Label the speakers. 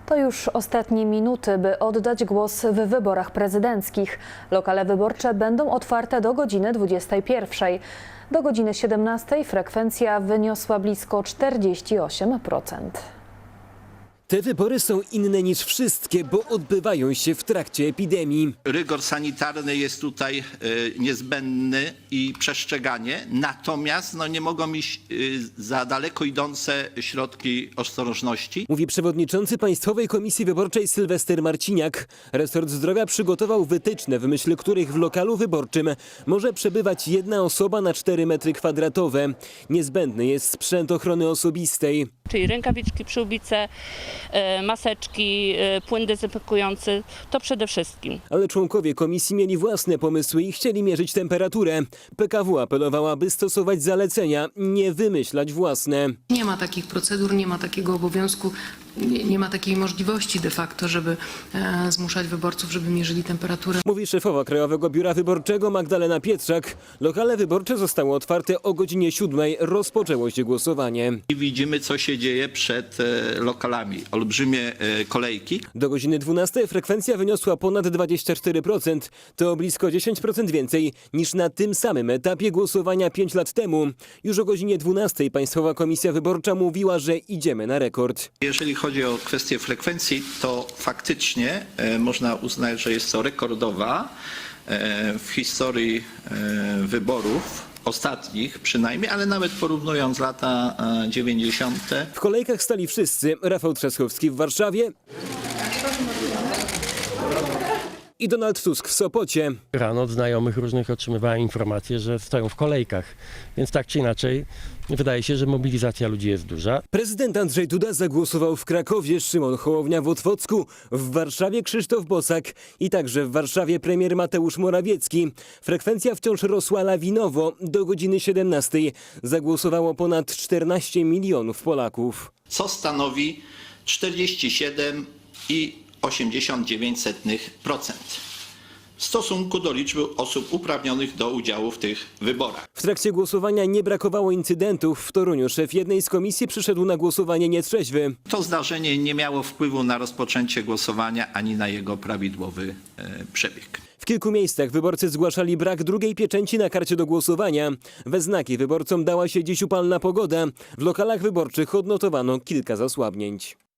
Speaker 1: To już ostatnie minuty, by oddać głos w wyborach prezydenckich. Lokale wyborcze będą otwarte do godziny 21. Do godziny 17 frekwencja wyniosła blisko 48%.
Speaker 2: Te wybory są inne niż wszystkie, bo odbywają się w trakcie epidemii.
Speaker 3: Rygor sanitarny jest tutaj niezbędny i przestrzeganie, natomiast nie mogą iść za daleko idące środki ostrożności.
Speaker 2: Mówi przewodniczący Państwowej Komisji Wyborczej Sylwester Marciniak. Resort Zdrowia przygotował wytyczne, w myśl których w lokalu wyborczym może przebywać jedna osoba na 4 m². Niezbędny jest sprzęt ochrony osobistej.
Speaker 4: Czyli rękawiczki, przyłbice, maseczki, płyn dezynfekujący, to przede wszystkim.
Speaker 2: Ale członkowie komisji mieli własne pomysły i chcieli mierzyć temperaturę. PKW apelowała, by stosować zalecenia, nie wymyślać własne.
Speaker 5: Nie ma takich procedur, nie ma takiego obowiązku, nie ma takiej możliwości de facto, żeby zmuszać wyborców, żeby mierzyli temperaturę.
Speaker 2: Mówi szefowa Krajowego Biura Wyborczego Magdalena Pietrzak. Lokale wyborcze zostały otwarte o godzinie 7. Rozpoczęło się głosowanie.
Speaker 3: I widzimy, co się dzieje przed lokalami. Olbrzymie kolejki.
Speaker 2: Do godziny 12 frekwencja wyniosła ponad 24%. To blisko 10% więcej niż na tym samym etapie głosowania 5 lat temu. Już o godzinie 12 Państwowa Komisja Wyborcza mówiła, że idziemy na rekord.
Speaker 3: Jeżeli chodzi o kwestię frekwencji, to faktycznie można uznać, że jest to rekordowa w historii wyborów. Ostatnich przynajmniej, ale nawet porównując lata 90.
Speaker 2: W kolejkach stali wszyscy. Rafał Trzaskowski w Warszawie i Donald Tusk w Sopocie.
Speaker 6: Rano od znajomych różnych otrzymywałem informacje, że stoją w kolejkach, więc tak czy inaczej wydaje się, że mobilizacja ludzi jest duża.
Speaker 2: Prezydent Andrzej Duda zagłosował w Krakowie, Szymon Hołownia w Otwocku, w Warszawie Krzysztof Bosak i także w Warszawie premier Mateusz Morawiecki. Frekwencja wciąż rosła lawinowo. Do godziny 17 zagłosowało ponad 14 milionów Polaków.
Speaker 3: Co stanowi 47,89% w stosunku do liczby osób uprawnionych do udziału w tych wyborach.
Speaker 2: W trakcie głosowania nie brakowało incydentów. W Toruniu szef jednej z komisji przyszedł na głosowanie nietrzeźwy.
Speaker 3: To zdarzenie nie miało wpływu na rozpoczęcie głosowania ani na jego prawidłowy przebieg.
Speaker 2: W kilku miejscach wyborcy zgłaszali brak drugiej pieczęci na karcie do głosowania. We znaki wyborcom dała się dziś upalna pogoda. W lokalach wyborczych odnotowano kilka zasłabnięć.